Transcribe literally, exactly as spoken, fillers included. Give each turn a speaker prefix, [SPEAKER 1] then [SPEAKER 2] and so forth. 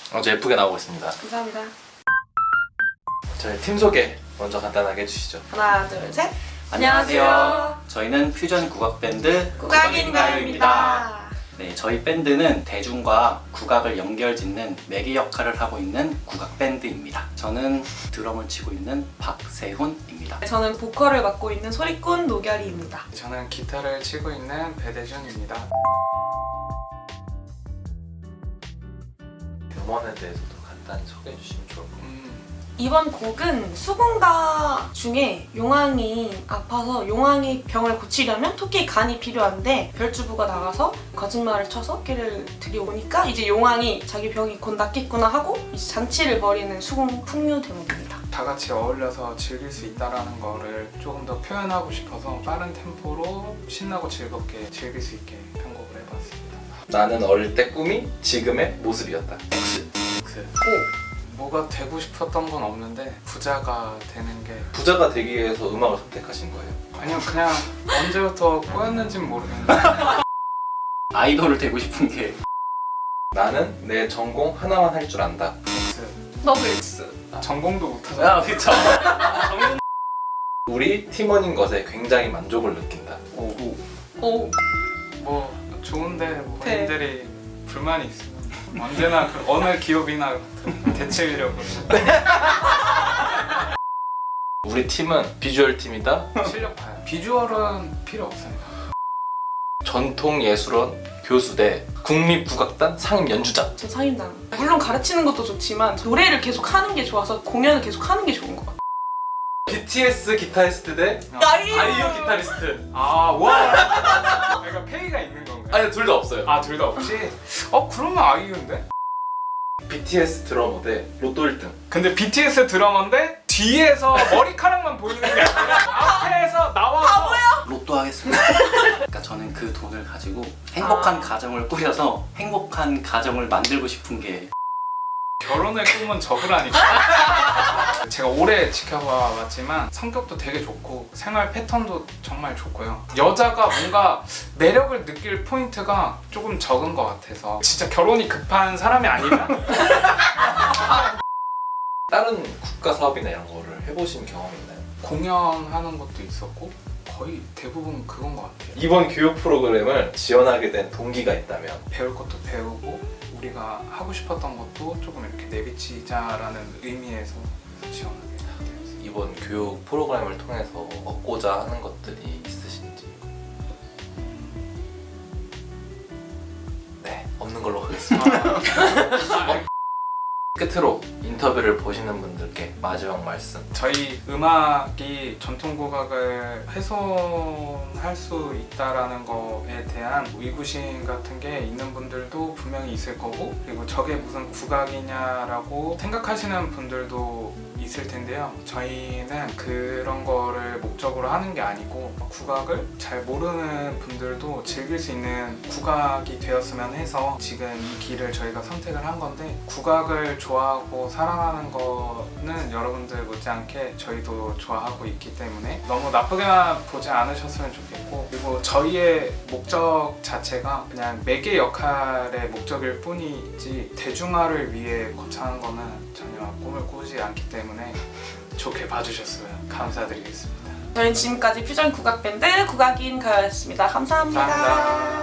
[SPEAKER 1] 아주 예쁘게 나오고 있습니다.
[SPEAKER 2] 감사합니다.
[SPEAKER 1] 저희 팀 소개 먼저 간단하게 해주시죠.
[SPEAKER 2] 하나, 둘, 셋.
[SPEAKER 3] 안녕하세요. 저희는 퓨전 국악 밴드
[SPEAKER 2] 국악인가요입니다.
[SPEAKER 3] 네, 저희 밴드는 대중과 국악을 연결짓는 매개 역할을 하고 있는 국악 밴드입니다. 저는 드럼을 치고 있는 박세훈입니다.
[SPEAKER 2] 저는 보컬을 맡고 있는 소리꾼 노결이입니다.
[SPEAKER 4] 저는 기타를 치고 있는 배대준입니다.
[SPEAKER 1] 음원에 대해서도 간단히 소개해 주시면 좋을 것 같아요.
[SPEAKER 4] 음,
[SPEAKER 2] 이번 곡은 수군가 중에 용왕이 아파서 용왕이 병을 고치려면 토끼의 간이 필요한데 별주부가 나가서 거짓말을 쳐서 토끼를 들여오니까 이제 용왕이 자기 병이 곧 낫겠구나 하고 이제 잔치를 벌이는 수군 풍류 대목입니다.
[SPEAKER 4] 다 같이 어울려서 즐길 수 있다는 거를 조금 더 표현하고 싶어서 빠른 템포로 신나고 즐겁게 즐길 수 있게 편곡을 해봤습니다.
[SPEAKER 1] 나는 어릴 때 꿈이 지금의 모습이었다. X.
[SPEAKER 4] 그, 오! 뭐가 되고 싶었던 건 없는데 부자가 되는 게
[SPEAKER 1] 부자가 되기 위해서 음악을 선택하신 거예요.
[SPEAKER 4] 아니요 그냥 언제부터 꼬였는진 모르겠는데
[SPEAKER 3] 아이돌을 되고 싶은 게
[SPEAKER 1] 나는 내 전공 하나만 할 줄 안다.
[SPEAKER 4] X.
[SPEAKER 2] 더블 X.
[SPEAKER 4] 전공도 못하잖아.
[SPEAKER 3] 아, 그쵸.
[SPEAKER 1] 우리 팀원인 것에 굉장히 만족을 느낀다.
[SPEAKER 4] 오.
[SPEAKER 2] 오.
[SPEAKER 4] 뭐 좋은데 뭐
[SPEAKER 2] 네.
[SPEAKER 4] 본인들이 불만이 있으면 언제나 그 어느 기업이나 대체 인력으로
[SPEAKER 1] 우리 팀은 비주얼 팀이다.
[SPEAKER 4] 실력 봐요. 비주얼은 필요 없습니다.
[SPEAKER 1] 전통예술원 교수 대 국립국악단 상임 연주자.
[SPEAKER 2] 저 상임당. 물론 가르치는 것도 좋지만 노래를 계속 하는 게 좋아서 공연을 계속 하는 게 좋은 것 같아요.
[SPEAKER 1] 비티에스 기타리스트 대
[SPEAKER 2] 아이유!
[SPEAKER 1] 아이유 기타리스트.
[SPEAKER 4] 아 와. 그러니까 페이가 있는 건가요?
[SPEAKER 1] 아니 둘 다 없어요.
[SPEAKER 4] 아 둘 다 없이? 어 그러면 아이유인데?
[SPEAKER 1] 비티에스 드러머 대 로또 일 등.
[SPEAKER 4] 근데 비티에스 드러머인데 뒤에서 머리카락만 보이는 게 아니라 앞에서 나와서
[SPEAKER 3] 로또 하겠습니다. 그러니까 저는 그 돈을 가지고 행복한
[SPEAKER 2] 아.
[SPEAKER 3] 가정을 꾸려서 행복한 가정을 만들고 싶은 게
[SPEAKER 4] 결혼의 꿈은 적으라니까. 제가 오래 지켜봐 왔지만 성격도 되게 좋고 생활 패턴도 정말 좋고요. 여자가 뭔가 매력을 느낄 포인트가 조금 적은 것 같아서 진짜 결혼이 급한 사람이 아니면
[SPEAKER 1] 다른 국가 사업이나 이런 거를 해보신 경험이 있나요?
[SPEAKER 4] 공연하는 것도 있었고 거의 대부분 그건 것 같아요.
[SPEAKER 1] 이번 교육 프로그램을 지원하게 된 동기가 있다면?
[SPEAKER 4] 배울 것도 배우고 우리가 하고 싶었던 것도 조금 이렇게 내비치자라는 의미에서 지원하게 되었어요.
[SPEAKER 1] 이번 교육 프로그램을 통해서 얻고자 하는 것들이 있으신지? 네, 없는 걸로 하겠습니다.
[SPEAKER 4] 아,
[SPEAKER 1] 끝으로 인터뷰를 보시는 분들께 마지막 말씀.
[SPEAKER 4] 저희 음악이 전통국악을 훼손할 수 있다라는 거에 대한 의구심 같은 게 있는 분들도 분명히 있을 거고, 그리고 저게 무슨 국악이냐라고 생각하시는 분들도 있을 텐데요. 저희는 그런 거를 목적으로 하는 게 아니고 국악을 잘 모르는 분들도 즐길 수 있는 국악이 되었으면 해서 지금 이 길을 저희가 선택을 한 건데, 국악을 좋아하고 사랑하는 거는 여러분들 못지않게 저희도 좋아하고 있기 때문에 너무 나쁘게만 보지 않으셨으면 좋겠고, 그리고 저희의 목적 자체가 그냥 매개 역할의 목적일 뿐이지 대중화를 위해 거창한 거는 전혀 꿈을 꾸지 않기 때문에 좋게 봐주셨으면 감사드리겠습니다.
[SPEAKER 2] 저희는 지금까지 퓨전 국악밴드 국악인가요였습니다. 감사합니다.
[SPEAKER 4] 감사합니다.